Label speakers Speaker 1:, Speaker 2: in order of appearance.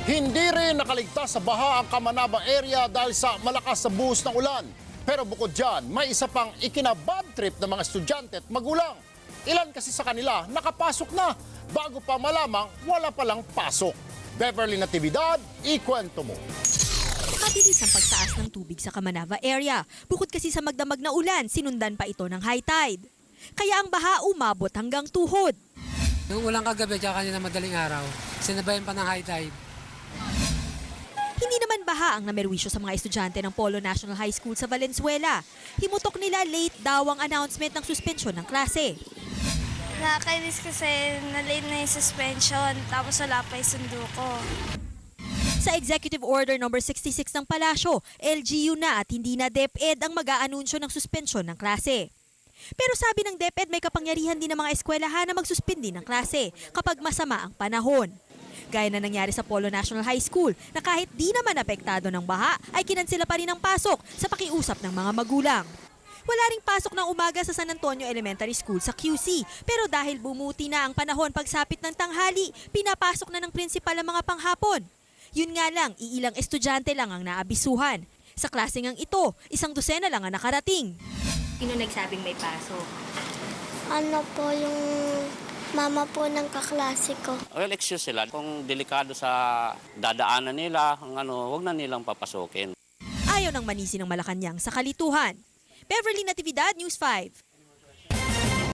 Speaker 1: Hindi rin nakaligtas sa baha ang Kamanaba area dahil sa malakas na buhos ng ulan. Pero bukod dyan, may isa pang ikinabad trip ng mga estudyante at magulang. Ilan kasi sa kanila nakapasok na bago pa malamang wala palang pasok. Beverly Natividad, ikwento mo.
Speaker 2: Mabilis ang pagtaas ng tubig sa Kamanava area. Bukod kasi sa magdamag na ulan, sinundan pa ito ng high tide. Kaya ang baha umabot hanggang tuhod.
Speaker 3: Yung ulang kagabi at kanina madaling araw, sinabayan pa ng high tide.
Speaker 2: Hindi naman baha ang namerwisyo sa mga estudyante ng Polo National High School sa Valenzuela. Himutok nila late daw ang announcement ng suspensyon ng klase.
Speaker 4: Nakakainis kasi na-late na yung suspension, tapos wala pa yung sundo ko.
Speaker 2: Sa Executive Order No. 66 ng Palasyo, LGU na at hindi na DepEd ang mag-aanunsyo ng suspensyon ng klase. Pero sabi ng DepEd may kapangyarihan din ng mga eskwelahan na magsuspindi ng klase kapag masama ang panahon. Gaya na nangyari sa Polo National High School na kahit di naman apektado ng baha ay kinansela pa rin ang pasok sa pakiusap ng mga magulang. Wala ring pasok ng umaga sa San Antonio Elementary School sa QC pero dahil bumuti na ang panahon pagsapit ng tanghali, pinapasok na ng prinsipal ang mga panghapon. Yun nga lang, iilang estudyante lang ang naabisuhan. Sa klaseng ang ito, 100 lang ang nakarating.
Speaker 5: Sino nagsabing may pasok?
Speaker 4: Ano po yung mama po ng kaklase ko.
Speaker 6: Well, excuse sila. Kung delikado sa dadaanan nila, wag na nilang papasukin.
Speaker 2: Ayaw ng manisi ng Malacanang sa kalituhan. Beverly Natividad, News 5.